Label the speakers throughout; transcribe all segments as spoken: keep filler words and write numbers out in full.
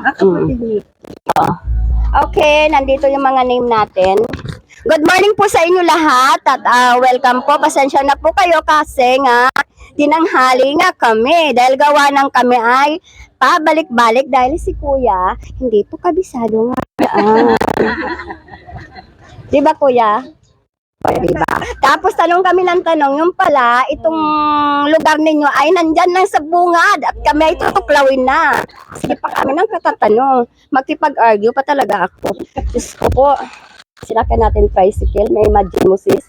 Speaker 1: Mm. Okay, nandito yung mga name natin. Good morning po sa inyo lahat at uh, welcome po. Pasensya na po kayo kasi nga tinanghali nga kami dahil gawa ng kami ay pabalik-balik dahil si Kuya hindi po kabisado nga. Ah. Di ba Kuya? Diba? Tapos tanong kami ng tanong, yung pala, itong lugar ninyo ay nandyan lang sa bungad at kami ay tutuklawin na. Sige pa kami nang katatanong. Magkipag-argue pa talaga ako. Diyos ko po, sinakyan natin tricycle, may imagine mo sis.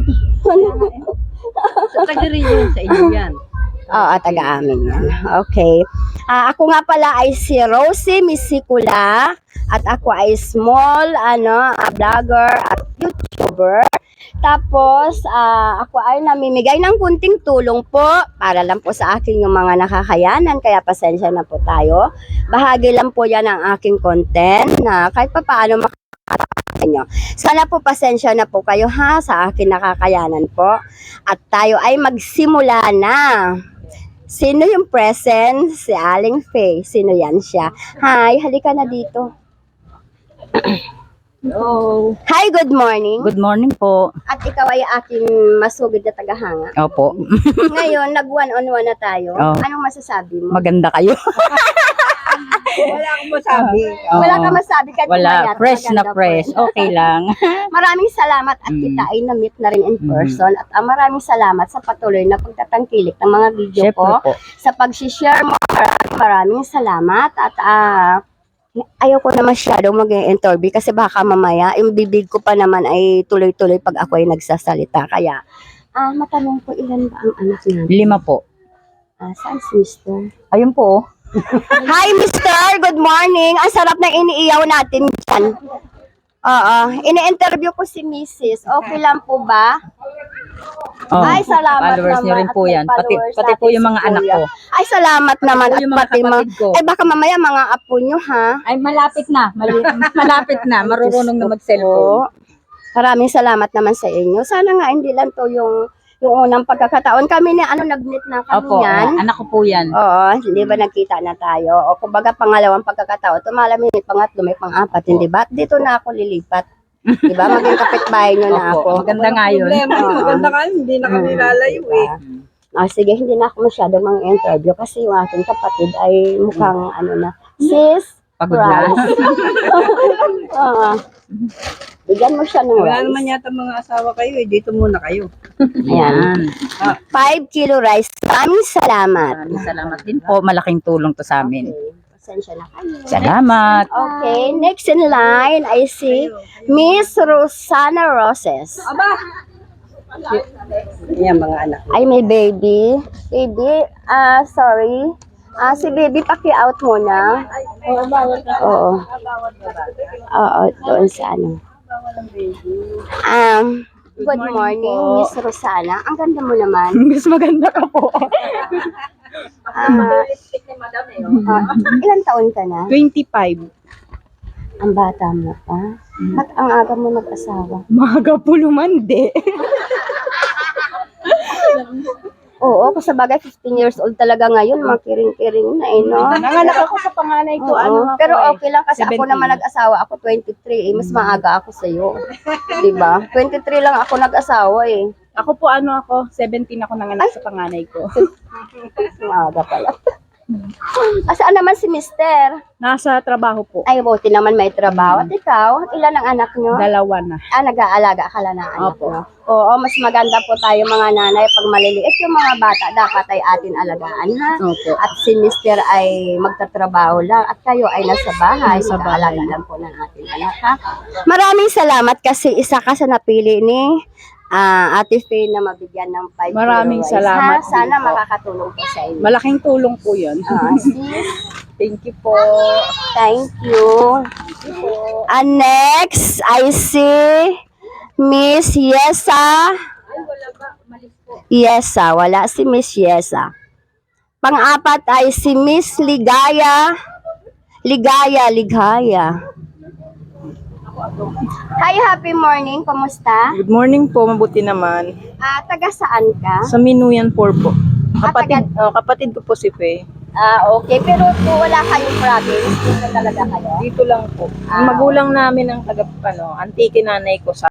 Speaker 2: Sa taga-rin yun, sa inyo yan.
Speaker 1: Oo, taga-amin yan. Okay. Uh, ako nga pala ay si Rosie Misikula at ako ay small ano, a vlogger at YouTuber. Tapos, uh, ako ay namimigay ng kunting tulong po para lang po sa akin yung mga nakakayanan. Kaya pasensya na po tayo. Bahagi lang po yan ang aking content na kahit pa paano makakatawa nyo. Sana po pasensya na po kayo ha sa akin nakakayanan po. At tayo ay magsimula na. Sino yung present? Si Aling Faye. Sino yan siya? Hi, halika na dito.
Speaker 2: Hello.
Speaker 1: Hi, good morning.
Speaker 2: Good morning po.
Speaker 1: At ikaw ay aking masugid na tagahanga.
Speaker 2: Opo.
Speaker 1: Ngayon, nag one on one na tayo.
Speaker 2: Oh.
Speaker 1: Anong masasabi mo?
Speaker 2: Maganda kayo.
Speaker 1: Wala akong masabi.
Speaker 2: Oo.
Speaker 1: Wala kang masabi kahit
Speaker 2: Wala.
Speaker 1: kumayat,
Speaker 2: Fresh na
Speaker 1: maganda
Speaker 2: fresh.
Speaker 1: po.
Speaker 2: Okay lang.
Speaker 1: Maraming salamat at
Speaker 2: Mm.
Speaker 1: kita ay na-meet na rin in person. At uh, maraming salamat sa patuloy na pagtatangkilik ng mga video
Speaker 2: Siyempre
Speaker 1: ko.
Speaker 2: po.
Speaker 1: Sa pag-share mo, maraming, maraming salamat. At ah, ayaw ko na masyadong mag-interview kasi baka mamaya yung bibig ko pa naman ay tuloy-tuloy pag ako ay nagsasalita. Kaya, ah, matanong ko ilan ba ang anak natin?
Speaker 2: Lima po.
Speaker 1: Ah, saan si Mister?
Speaker 2: Ayun po.
Speaker 1: Hi, Mister! Good morning! Ang sarap na iniiyaw natin dyan. Oo. Ini-interview ko si Missus Okay lang po ba?
Speaker 2: Oh,
Speaker 1: Ay, salamat
Speaker 2: followers niyo
Speaker 1: naman
Speaker 2: rin
Speaker 1: at
Speaker 2: po
Speaker 1: may
Speaker 2: yan. Pati,
Speaker 1: followers
Speaker 2: pati po
Speaker 1: natin
Speaker 2: yung
Speaker 1: si
Speaker 2: mga anak
Speaker 1: Kuya.
Speaker 2: ko.
Speaker 1: Ay, salamat naman.
Speaker 2: po
Speaker 1: At
Speaker 2: yung mga
Speaker 1: pati mga...
Speaker 2: kapatid ko.
Speaker 1: Ay, baka mamaya mga apo nyo, ha?
Speaker 2: Ay, malapit na. Mali- malapit na. Marurunong na mag-cellphone.
Speaker 1: Maraming salamat naman sa inyo. Sana nga hindi lang to yung yung unang pagkakataon. Kami ni ano, nag-meet na kami
Speaker 2: Opo.
Speaker 1: yan.
Speaker 2: Anak ko po yan.
Speaker 1: Oo, hindi ba nagkita na tayo? O kumbaga pangalawang pagkakataon, tumalamin may pangatlo, may pang-apat, hindi ba? Dito na ako lilipat. Di ba? Maging kapitbahay nyo na
Speaker 2: Opo.
Speaker 1: ako.
Speaker 2: Maganda nga yun.
Speaker 1: Oo.
Speaker 3: Maganda ka, hindi na kami lalayo eh.
Speaker 1: Ah, sige, hindi na ako masyado mga interview kasi yung aking kapatid ay mukhang ano na, sis,
Speaker 2: Pagod na.
Speaker 1: rice. Oo. Bigyan mo siya ng
Speaker 3: Wala
Speaker 1: rice.
Speaker 3: naman yata mga asawa kayo eh, dito muna kayo.
Speaker 1: Ayan. Five kilo rice. Maraming salamat.
Speaker 2: Maraming salamat din po. Malaking tulong to sa amin.
Speaker 1: Okay. Pasensya na kayo.
Speaker 2: Salamat.
Speaker 1: Okay, next in line, I see Miss Rosana Roses.
Speaker 3: Yan mga anak.
Speaker 1: Ay, may baby. Baby, ah, sorry. Ah, si baby, paki-out muna. Oo. Oo, doon sa ano. Um, good morning, Miss Rosana. Ang ganda mo naman.
Speaker 2: Mas maganda ka po.
Speaker 1: Ah, ah, ilan taon ka na?
Speaker 3: twenty-five.
Speaker 1: Ang bata mo pa. At ang aga mo nag-asawa.
Speaker 3: Maga po lumandi.
Speaker 1: Oo, kasi bagay fifteen years old talaga ngayon, mga kiring-kiring na eh, no?
Speaker 3: Nanganak ako sa panganay ko,
Speaker 1: Oo,
Speaker 3: ano ako
Speaker 1: pero
Speaker 3: eh.
Speaker 1: okay lang kasi ako
Speaker 3: seventeen.
Speaker 1: naman nag-asawa, ako twenty-three, eh, mas maaga ako sa'yo. Diba? twenty-three lang ako nag-asawa eh.
Speaker 3: Ako po ano ako, seventeen ako nanganak sa panganay ko.
Speaker 1: Maaga pala. Asaan naman si Mister?
Speaker 3: Nasa trabaho po.
Speaker 1: Ay, buti naman may trabaho. At ikaw, ilan ang anak nyo?
Speaker 3: Dalawa na.
Speaker 1: Ah, nag-aalaga ka lang ng anak
Speaker 3: Opo.
Speaker 1: mo. Oo, mas maganda po tayo mga nanay pag maliliit yung mga bata, dapat ay atin alagaan ha.
Speaker 3: Opo.
Speaker 1: At si Mister ay magtatrabaho lang at kayo ay nasa bahay,
Speaker 3: Nasa
Speaker 1: mag-aalaga
Speaker 3: bahay.
Speaker 1: lang po ng ating anak ha. Maraming salamat kasi isa ka sa napili ni ah, Ate Faye na mabigyan ng five
Speaker 3: Maraming
Speaker 1: kilo rice,
Speaker 3: salamat
Speaker 1: ha? Sana
Speaker 3: din po.
Speaker 1: makakatulong po sa inyo.
Speaker 3: Malaking tulong po yun.
Speaker 1: Ah, sis,
Speaker 3: Thank you po.
Speaker 1: thank you. And next, I see Miss Yesa. Yesa, wala si Miss Yesa. Pang-apat ay si Miss Ligaya. Ligaya, Ligaya. Hi, happy morning. Kumusta?
Speaker 3: Good morning po, mabuti naman.
Speaker 1: Ah, taga saan ka?
Speaker 3: Sa Minuyan four po.
Speaker 1: Ah,
Speaker 3: Kapatid, oh, kapatid ko po si Faye.
Speaker 1: Ah, okay. Pero po, wala kayong province. Dito talaga kayo.
Speaker 2: Dito lang po.
Speaker 1: Ah.
Speaker 2: Ang magulang namin ang taga, ano, antike nanay ko sa